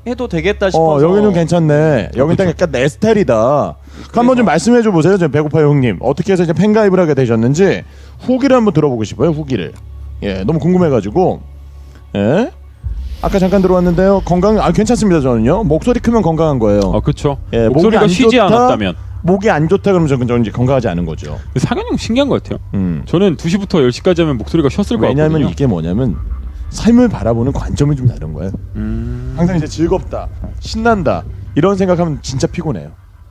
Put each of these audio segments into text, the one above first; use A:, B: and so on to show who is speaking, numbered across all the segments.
A: 해도 되겠다 싶어서.
B: 여기는 괜찮네. 여기는 딱 약간 내 스타일이다. 한번 좀 말씀해줘 보세요. 저 배고파요 형님. 어떻게 해서 이제 팬가입을 하게 되셨는지 후기를 한번 들어보고 싶어요. 후기를. 예, 너무 궁금해가지고. 예. 아까 잠깐 들어왔는데요. 건강 괜찮습니다. 저는요. 목소리 크면 건강한 거예요.
C: 그렇죠.
B: 예,
C: 목소리가 쉬지 않았다면.
B: 목이 안 좋다 그러면 저는 이제 건강하지 않은 거죠.
C: 상현이 형 신기한 것 같아요. 저는 2시부터 10시까지 하면 목소리가 쉬었을 것 같거든요.
B: 왜냐하면 이게 뭐냐면 삶을 바라보는 관점이 좀 다른 거예요. 항상 이제 즐겁다, 신난다 이런 생각하면 진짜 피곤해요.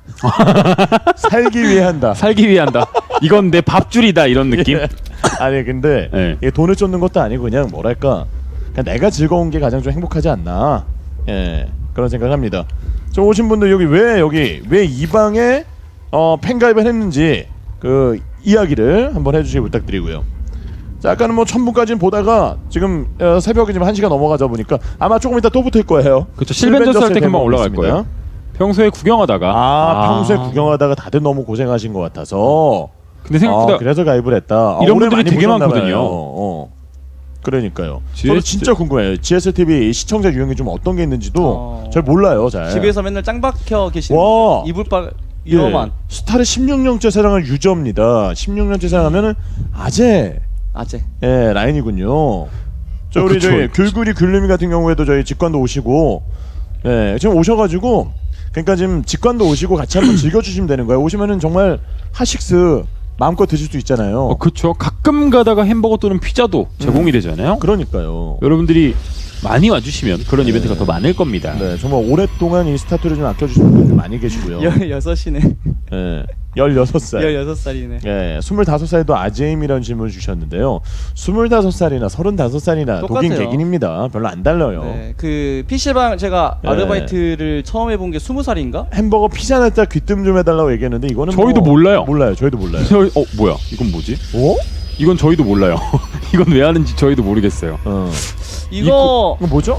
B: 살기 위해 한다.
C: 살기 위해 한다. 이건 내 밥줄이다 이런 느낌.
B: 예. 아니 근데
C: 네.
B: 이게 돈을 쫓는 것도 아니고 그냥 뭐랄까 그냥 내가 즐거운 게 가장 좀 행복하지 않나. 예, 그런 생각합니다. 저 오신 분들 여기 왜 이 방에 팬가입을 했는지 그 이야기를 한번 해주시기 부탁드리고요. 자, 아까는 뭐 1000분까지는 보다가 지금 새벽에 지금 1시가 넘어가다 보니까 아마 조금 이따 또 붙을 거예요.
C: 그렇죠. 실벤저스 할 때 금방 올라갈
B: 있습니다.
C: 거예요. 평소에 구경하다가
B: 평소에 구경하다가 다들 너무 고생하신 것 같아서
C: 근데 생각보다
B: 그래서 가입을 했다.
C: 이런
B: 올해
C: 분들이
B: 많이
C: 되게
B: 보셨나
C: 많거든요.
B: 봐요. 그러니까요.
C: GS...
B: 저도 진짜 궁금해요. GSTV 시청자 유형이 좀 어떤 게 있는지도 잘 몰라요. 잘.
A: 집에서 맨날 짱 박혀 계시는 이불빨
B: 예,
A: 이러만.
B: 스타를 16년째 사랑할 유저입니다. 16년째 사랑하면은 아재. 예, 라인이군요. 우리
C: 그쵸.
B: 저희 귤구리 귤님이 같은 경우에도 저희 직관도 오시고, 예, 지금 오셔가지고, 그러니까 지금 직관도 오시고 같이 한번 즐겨주시면 되는 거예요. 오시면은 정말 하식스 마음껏 드실 수 있잖아요.
C: 그렇죠. 가끔 가다가 햄버거 또는 피자도 제공이 되잖아요.
B: 그러니까요.
C: 여러분들이 많이 와주시면 그런 이벤트가 더 많을 겁니다.
B: 네, 정말 오랫동안 이 스타트를 좀 아껴주시는 분들 좀 많이 계시고요.
A: 16이네.
B: 예, 16살.
A: 16살이네.
B: 예, 25살도 아재임이라는 질문을 주셨는데요. 25살이나 35살이나
A: 똑같아요.
B: 독인 객인입니다. 별로 안 달라요.
A: 네, 그 PC방 제가 아르바이트를 처음 해본 게 20살인가?
B: 햄버거 피자 날짜 귀뜸 좀 해달라고 얘기했는데 이거는
C: 저희도 몰라요.
B: 몰라요. 저희도 몰라요.
C: 뭐야? 이건 뭐지?
B: 어?
C: 이건 저희도 몰라요. 이건 왜 하는지 저희도 모르겠어요.
A: 이거
B: 뭐죠?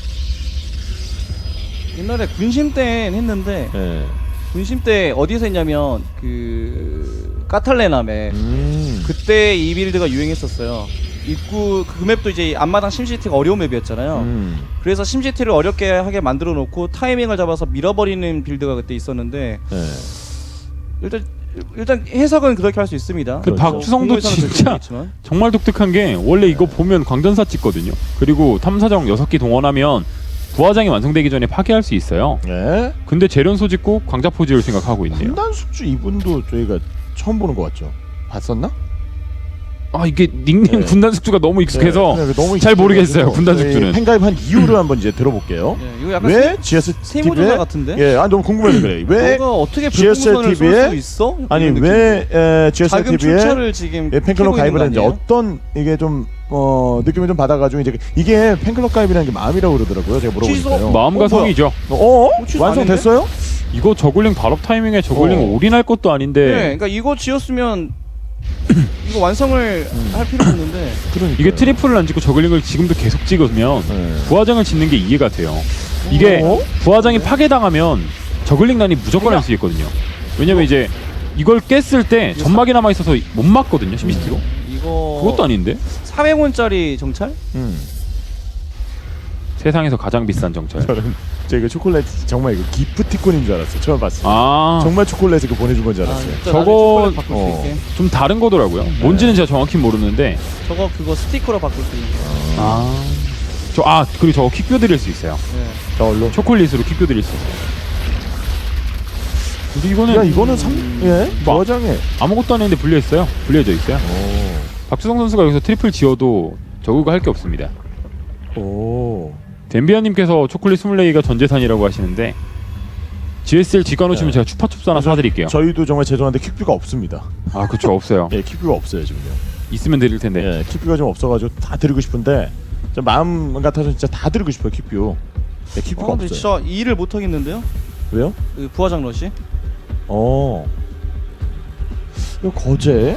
A: 옛날에 군심 때 했는데
B: 네.
A: 군심 때 어디서 했냐면 그 까탈레남에 그때 이 빌드가 유행했었어요. 입구 그 맵도 이제 앞마당 심시티가 어려운 맵이었잖아요. 그래서 심시티를 어렵게 하게 만들어 놓고 타이밍을 잡아서 밀어버리는 빌드가 그때 있었는데 일단 해석은 그렇게 할 수 있습니다.
C: 그 박주성도 진짜 정말 독특한 게 원래 이거 보면 광전사 찍거든요. 그리고 탐사정 6기 동원하면 부화장이 완성되기 전에 파괴할 수 있어요.
B: 네.
C: 근데 재련소 짓고 광자포 지을 생각하고 있네요.
B: 군단숙주 이분도 저희가 처음 보는 것 같죠? 봤었나?
C: 이게 닉네임 군단숙주가 너무 익숙해서
B: 너무
C: 잘 모르겠어요. 군단숙주는
B: 팬가입한 이유를 한번 이제 들어볼게요.
A: 이거 약간
B: 왜 GS
A: 세무조사 같은데?
B: 예, 너무 궁금해서 그래. 왜
A: 어떻게
B: GS TV에
A: 있어?
B: 아니 왜 GS TV에
A: 지금
B: 팬클럽 가입을 했는지 어떤 이게 좀 느낌을 좀 받아가지고 이제 이게 팬클럽 가입이라는 게 마음이라고 그러더라고요. 제가 물어보니까요.
C: 마음과 성이죠.
B: 완성됐어요?
C: 이거 저글링 발업 타이밍에 저글링 올인할 것도 아닌데.
A: 네, 그러니까 이거 지었으면 이거 완성을 할 필요 없는데.
C: 이게 트리플을 안 짓고 저글링을 지금도 계속 찍으면 부화장을 짓는 게 이해가 돼요. 이게 부화장이 파괴당하면 저글링난이 무조건 할 수 있거든요. 왜냐면 이제 이걸 깼을 때 점막이 남아 있어서 못 막거든요. 심시티로. 그것도 아닌데?
A: 400원짜리 정찰?
C: 세상에서 가장 비싼 정찰.
B: 제가 초콜릿 정말 이거 기프티콘인 줄 알았어요. 처음 봤어요.
C: 정말
B: 초콜릿을 보내준 건 줄 알았어요.
C: 저거 좀 다른 거더라고요. 뭔지는 제가 정확히 모르는데
A: 그거 스티커로 바꿀 수 있는 거.
C: 그리고 저거 킥뷰 드릴 수 있어요.
B: 저걸로
C: 초콜릿으로 킥뷰 드릴 수 있어요. 근데 이거는
B: 부화장에
C: 아무것도 안 했는데 분리해져 있어요. 박주성 선수가 여기서 트리플 지어도 저그가 할 게 없습니다. 덴비아님께서 초콜릿 24개가 전 재산이라고 하시는데 GSL 직관 오시면 제가 추파춥스 하나 사드릴게요.
B: 저희도 정말 죄송한데 킥뷰가 없습니다.
C: 그쵸, 없어요.
B: 예, 킥뷰가 없어요 지금요.
C: 있으면 드릴 텐데.
B: 예, 킥뷰가 좀 없어가지고 다 드리고 싶은데 좀 마음 같아서 진짜 다 드리고 싶어요 킥뷰. 예, 킥뷰가 없어요.
A: 진짜 일을 못 하겠는데요?
B: 왜요?
A: 그 부화장 러시?
B: 이거 거제?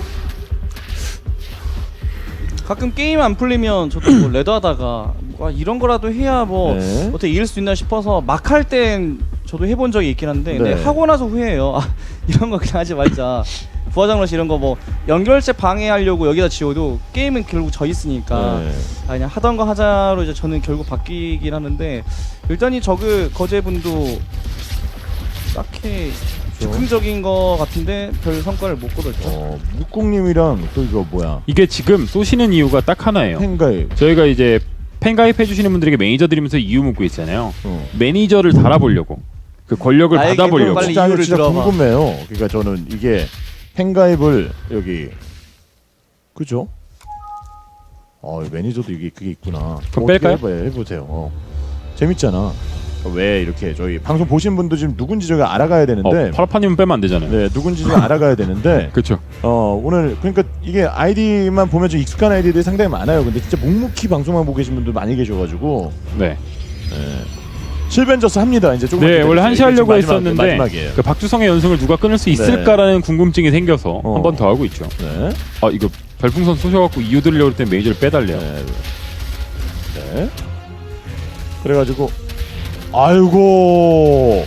A: 가끔 게임 안 풀리면 저도 뭐 레더하다가 이런 거라도 해야 어떻게 이길 수 있나 싶어서 막 할 땐 저도 해본 적이 있긴 한데 근데 하고 나서 후회해요. 이런 거 그냥 하지 말자. 부하장러시 이런 거 뭐 연결체 방해하려고 여기다 지워도 게임은 결국 져 있으니까
B: 네.
A: 그냥 하던 거 하자로 이제 저는 결국 바뀌긴 하는데 일단 이 저그 거제분도 딱히 즉흥적인 거 같은데 별 성과를 못 거뒀죠.
B: 묵국님이랑 또 이거 뭐야?
C: 이게 지금 쏘시는 이유가 딱 하나예요.
B: 팬가입.
C: 저희가 이제 팬 가입해 주시는 분들에게 매니저 드리면서 이유 묻고 있잖아요. 매니저를 달아보려고 그 권력을
A: 나에게
C: 받아보려고.
A: 빨리
B: 진짜,
A: 이유를
B: 진짜
A: 들어봐.
B: 궁금해요. 그러니까 저는 이게 팬가입을 여기 그죠? 매니저도 이게 그게 있구나.
C: 그럼 뺄까요?
B: 해보세요. 재밌잖아. 왜 이렇게 저희 방송 보신 분도 지금 누군지 저희가 알아가야 되는데
C: 파라파님은 빼면 안 되잖아요.
B: 네 누군지 좀 알아가야 되는데
C: 그렇죠.
B: 오늘 그러니까 이게 아이디만 보면 좀 익숙한 아이디들이 상당히 많아요. 근데 진짜 묵묵히 방송만 보고 계신 분들 많이 계셔가지고
C: 네.
B: 실벤져스 합니다. 이제 조금
C: 네, 원래 한시 하려고
B: 마지막이에요.
C: 했었는데 그 박주성의 연승을 누가 끊을 수 있을까라는 궁금증이 생겨서 한 번 더 하고 있죠.
B: 네.
C: 이거 별풍선 쏘셔갖고 이유 들으려고 했더니 메이저를 빼달래요.
B: 네. 그래가지고 아이고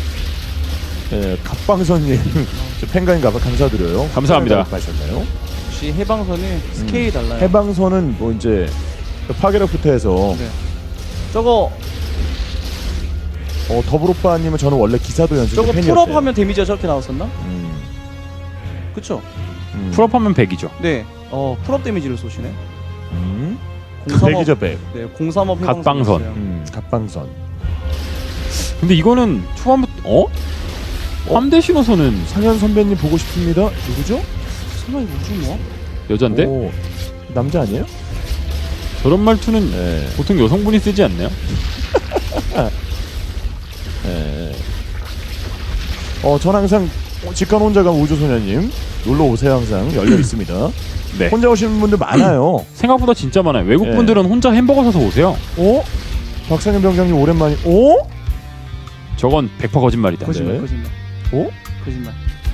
B: 갑방선님 팬가인 가봐 감사드려요.
C: 감사합니다.
B: 하셨나요?
A: 역시 해방선은 스케일이 달라요.
B: 해방선은 뭐 이제 파괴력부터 해서
A: 네. 저거
B: 더불오빠님은 저는 원래 기사도 연습
A: 저거
B: 팬이었대요.
A: 풀업하면 데미지가 저렇게 나왔었나? 그쵸?
C: 풀업하면 100이죠.
A: 네. 풀업 데미지를 쏘시네.
B: 100이죠 100.
A: 네, 035
C: 갓방선.
B: 갑방선.
C: 근데 이거는 초반부터 함대 신호선은
B: 상현 선배님 보고 싶습니다. 누구죠?
A: 설마 이거 무슨 뭐?
C: 여잔데?
B: 오, 남자 아니에요?
C: 저런 말투는
B: 네.
C: 보통 여성분이 쓰지 않나요?
B: 네. 전 항상 직관 혼자 간 우주소녀님 놀러 오세요. 항상 열려 있습니다.
C: 네.
B: 혼자 오시는 분들 많아요.
C: 생각보다 진짜 많아요. 외국 분들은 혼자 햄버거 사서 오세요.
B: 박상현 병장님 오랜만이.
C: 저건 100% 거짓말이다.
A: 거짓말,
B: 네.
A: 거짓말. 거짓말.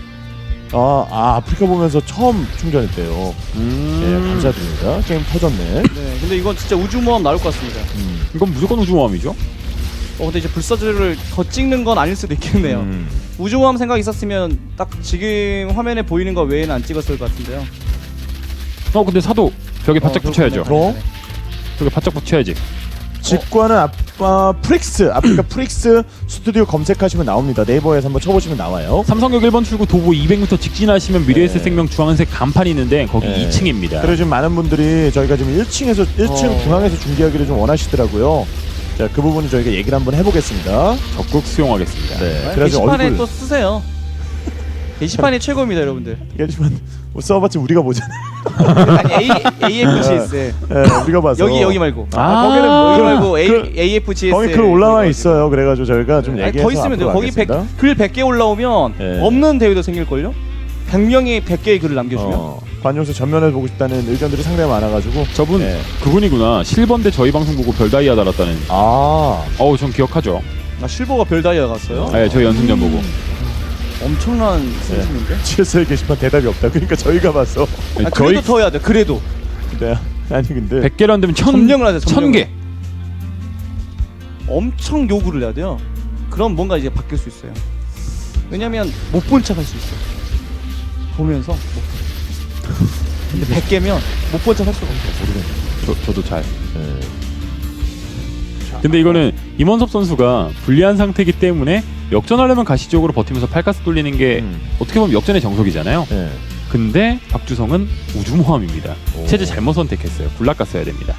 B: 아프리카 보면서 처음 충전했대요. 네, 감사드립니다. 게임 터졌네.
A: 네, 근데 이건 진짜 우주모함 나올 것 같습니다.
C: 이건 무조건 우주모함이죠.
A: 근데 이제 불사조를 더 찍는 건 아닐 수도 있겠네요. 우주모함 생각 있었으면 딱 지금 화면에 보이는 거 외에는 안 찍었을 것 같은데요.
C: 근데 사도 벽에 바짝 붙여야죠.
A: 그렇군요.
C: 벽에 바짝 붙여야지.
B: 직관은 아프리카 프릭스 스튜디오 검색하시면 나옵니다. 네이버에서 한번 쳐보시면 나와요.
C: 삼성역 1번 출구 도보 200m 직진하시면 미래에셋 생명 주황색 간판이 있는데 거기 2층입니다.
B: 그리고 지금 많은 분들이 저희가 지금 1층 중앙에서 중계하기를 좀 원하시더라고요. 자, 그 부분은 저희가 얘기를 한번 해보겠습니다.
C: 적극 수용하겠습니다.
B: 네.
A: 게시판에 또 쓰세요. 게시판이 최고입니다, 여러분들.
B: 게시판 뭐 써봤지 우리가 보잖아요.
A: 아니 AFGS.
B: 네, 우리가 봐서
A: 여기 말고.
B: 거기는 뭐
A: 여기 말고 AFGS.
B: 거기 글 올라와 있어요. 그래가지고 저희가 좀 얘기해서
A: 더 있으면 돼요. 거기 글 100개 올라오면 없는 대회도 생길걸요? 100명이 100개의 글을 남겨주면
B: 관용서 전면에 보고 싶다는 의견들이 상당히 많아가지고
C: 저분 그분이구나. 실버인데 저희 방송 보고 별 다이아 달았다는. 전 기억하죠.
A: 실버가 별 다이아 갔어요?
C: 네, 저희 연승전 보고.
A: 엄청난 승진인데?
B: GS의 게시판 대답이 없다. 그러니까 저희가 봐서
A: 그래도 더 해야 돼. 그래도.
B: 네. 아니 근데
C: 100개를 안 되면
A: 점령을 하세요.
C: 1000개.
A: 엄청 요구를 해야 돼요. 그럼 뭔가 이제 바뀔 수 있어요. 왜냐면 못 본 척 할 수 있어요. 보면서 못 본 척. 근데 100개면 못 본 척 할 수가 없어요.
B: 모르겠네.
C: 저도 잘. 근데 이거는 임원섭 선수가 불리한 상태이기 때문에 역전하려면 가시적으로 버티면서 팔가스 돌리는 게 어떻게 보면 역전의 정석이잖아요. 근데 박주성은 우주모함입니다. 체제 잘못 선택했어요. 굴락가 써야 됩니다.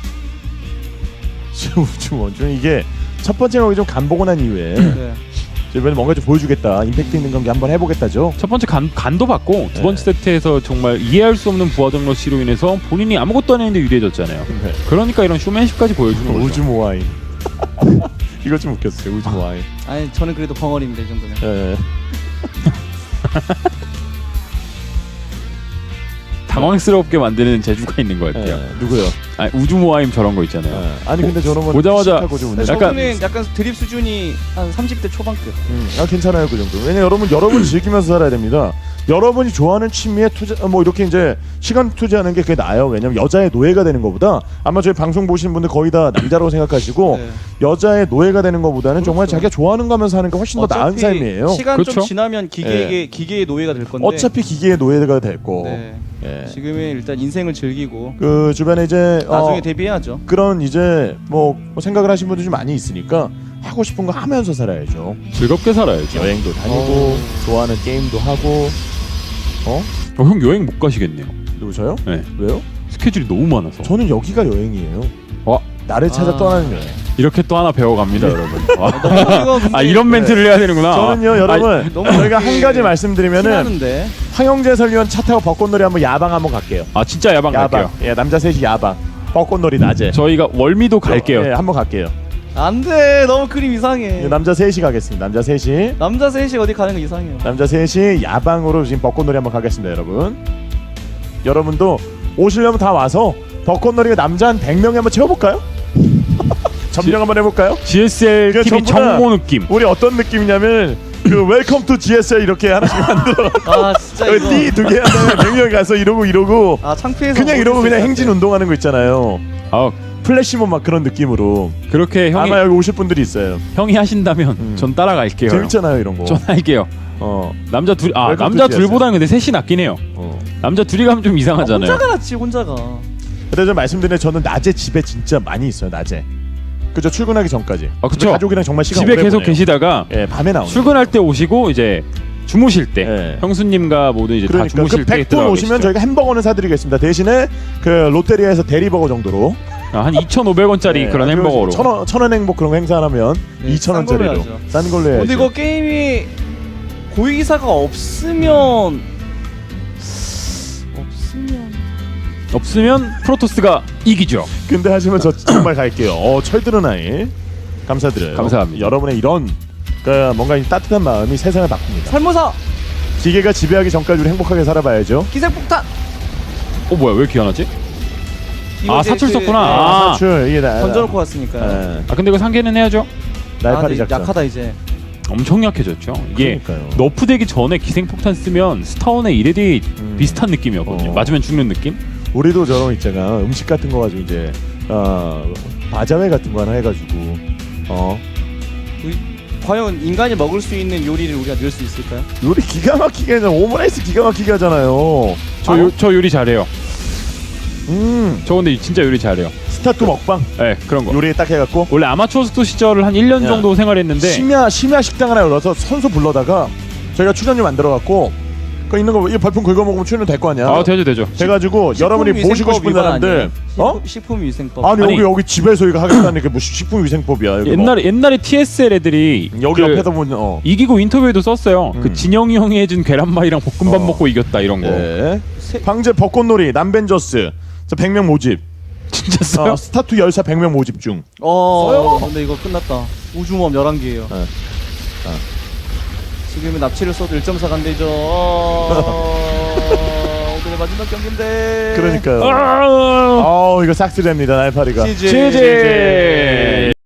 B: 우주모함 이게 첫 번째 경기 좀 간보고 난 이후에 이번에 뭔가 좀 보여주겠다. 임팩트 있는 경기 한번 해보겠다죠.
C: 첫 번째 간도 받고 두 번째 세트에서 정말 이해할 수 없는 부하정 러시로 인해서 본인이 아무것도 안 했는데 유리해졌잖아요. 그러니까 이런 쇼맨십까지 보여주는 거죠.
B: 우주모함 이거 좀 웃겼어요. 우주모함.
A: 아니 저는 그래도 벙어리입니다 이 정도면.
C: 당황스럽게 만드는 재주가 있는 것 같아요.
B: 누구요?
C: 아니, 우주 모아임 저런 거 있잖아요.
B: 아니 근데 저런 건
C: 보자마자
B: 씩하고 좀
A: 근데
C: 약간-
A: 저분은 약간 드립 수준이 한 30대 초반급.
B: 괜찮아요 그 정도. 왜냐 여러분 즐기면서 살아야 됩니다. 여러분이 좋아하는 취미에 투자 뭐 이렇게 이제 시간 투자하는 게 그게 나아요. 왜냐면 여자의 노예가 되는 것보다 아마 저희 방송 보시는 분들 거의 다 남자라고 생각하시고
A: 네.
B: 여자의 노예가 되는 것보다는 정말
A: 그렇죠.
B: 자기가 좋아하는 거 하면서 하는 게 훨씬 더 나은
A: 어차피
B: 삶이에요.
A: 시간
C: 그렇죠?
A: 좀 지나면 기계의 노예가 될 건데.
B: 어차피 기계의 노예가 됐고
A: 네.
B: 예.
A: 지금은 일단 인생을 즐기고
B: 그 주변에 이제
A: 나중에 대비해야죠.
B: 그런 이제 뭐 생각을 하신 분들이 좀 많이 있으니까 하고 싶은 거 하면서 살아야죠.
C: 즐겁게 살아야죠.
B: 여행도 다니고 좋아하는 게임도 하고
C: 형 여행 못 가시겠네요.
B: 누구셔요?
C: 네.
B: 왜요?
C: 스케줄이 너무 많아서.
B: 저는 여기가 여행이에요.
C: 와,
B: 나를 찾아 떠나는 여행.
C: 이렇게 또 하나 배워갑니다, 여러분.
A: 이거 근데
C: 이런 멘트를 해야 되는구나.
B: 저는요 여러분
A: 너무
B: 저희가
A: 그렇게
B: 한 가지 말씀드리면은
A: 티나는데.
B: 황영재 설위원 차 타고 벚꽃놀이 한번 야방 한번 갈게요.
C: 진짜 야방 갈게요.
B: 예, 남자 셋이 야방 벚꽃놀이 낮에.
C: 저희가 월미도 갈게요.
B: 예, 한번 갈게요.
A: 안돼, 너무 그림 이상해.
B: 예, 남자 셋이 가겠습니다. 남자 셋이
A: 남자 셋이 어디 가는 거 이상해요.
B: 남자 셋이 야방으로 지금 벚꽃놀이 한번 가겠습니다, 여러분. 여러분도 오시려면 다 와서 벚꽃놀이가 남자 한 100명에 한번 채워볼까요? 점령 한번 해볼까요?
C: GSL
B: 그냥
C: TV
B: 전부 다
C: 정모 느낌.
B: 우리 어떤 느낌이냐면 그 웰컴 투 GSL 이렇게 하나씩 만들어
A: 아 진짜 이거.
B: 띠 두 개 하다가 100명 가서 이러고
A: 아 창피해서
B: 그냥
A: 못
B: 이러고
A: 있을
B: 그냥
A: 것
B: 행진
A: 같아.
B: 운동하는 거 있잖아요.
C: 아,
B: 플래시몹 막 그런 느낌으로
C: 그렇게 형이
B: 아마 여기 오실 분들이 있어요.
C: 형이 하신다면 전 따라갈게요.
B: 재밌잖아요 이런 거.
C: 전 할게요. 남자 둘
B: 웰컴
C: 남자
B: 투
C: 둘보다는 근데 셋이 낫긴 해요. 남자 둘이 가면 좀 이상하잖아요.
A: 혼자가 낫지 혼자가.
B: 근데 저 말씀드린 저는 낮에 집에 진짜 많이 있어요. 낮에. 그죠 출근하기 전까지.
C: 그쵸.
B: 집에 가족이랑 정말 시간
C: 집에
B: 오래
C: 계속
B: 보내요.
C: 계시다가
B: 예 밤에 나오는.
C: 출근할 때 오시고 이제 주무실 때
B: 예.
C: 형수님과 모두 이제 다
B: 그러니까
C: 주무실
B: 그
C: 때
B: 100분
C: 들어가
B: 오시면
C: 계시죠.
B: 저희가 햄버거는 사드리겠습니다. 대신에 그 롯데리아에서 대리버거 정도로
C: 한 2,500원짜리
B: 예,
C: 그런 햄버거로.
B: 천원 행복 그런 거 행사하면
A: 네,
B: 2,000원짜리로
A: 싼 걸로 해야죠.
B: 싼 걸로 해야죠.
A: 근데 이거 게임이 고위기사가 없으면
C: 없으면 프로토스가 이기죠.
B: 근데 하시면 저 정말 갈게요. 철드는 아이 감사드려요.
C: 감사합니다.
B: 여러분의 이런 그 뭔가 이 따뜻한 마음이 세상을 바꿉니다.
A: 살모사
B: 기계가 지배하기 전까지 우리 행복하게 살아봐야죠.
A: 기생폭탄.
C: 뭐야 왜 이렇게 안 하지?
A: 이거 이제
C: 사출
A: 그-
C: 썼구나.
A: 네,
C: 아.
B: 사출 이게 나
A: 던져놓고 왔으니까요.
C: 근데 이거 상계는 해야죠.
B: 날파리
A: 근데
B: 작전.
A: 약하다 이제.
C: 엄청 약해졌죠. 이게
B: 그러니까요.
C: 너프되기 전에 기생폭탄 쓰면 스타원의 이레디 비슷한 느낌이었거든요. 맞으면 죽는 느낌?
B: 우리도 저런 거 있잖아. 음식 같은 거 가지고 이제 바자회 같은 거 하나 해가지고
A: 과연 인간이 먹을 수 있는 요리를 우리가 넣을 수 있을까요?
B: 요리 기가 막히게 하잖아. 오므라이스 기가 막히게 하잖아요.
C: 저 요리 잘해요. 저 근데 진짜 요리 잘해요.
B: 스타트 먹방
C: 네, 그런 거.
B: 요리에 딱 해갖고
C: 원래 아마추어 스토 시절을 한 1년
B: 야.
C: 정도 생활했는데
B: 심야 식당 하나 열어서 선수 불러다가 저희가 출연료 만들어갖고 그 있는 거 이 벌품 긁어 먹으면 출연 될 거 아니야.
C: 되죠.
B: 돼가지고 여러분이 모시고 싶은 사람들
A: 식품위생법.
B: 아니 여기 집에서 이거 하겠다는 게 무슨 식품위생법이야. 여기
C: 옛날에 TSL 애들이
B: 여기
C: 그
B: 옆에서 보면
C: 이기고 인터뷰에도 썼어요. 그 진영이 형이 해준 계란말이랑 볶음밥 먹고 이겼다 이런 거.
B: 네. 황제 벚꽃놀이 남벤저스 100명 모집.
C: 진짜 써요?
B: 스타투 열사 100명 모집 중.
A: 근데 이거 끝났다. 우주모험 11개예요. 지금은 납치를 써도 1.4 간대죠. 오늘의 마지막 경기인데.
B: 그러니까요.
C: 아!
B: 이거 싹쓸이합니다 날파리가.
A: 치즈.
C: 치즈.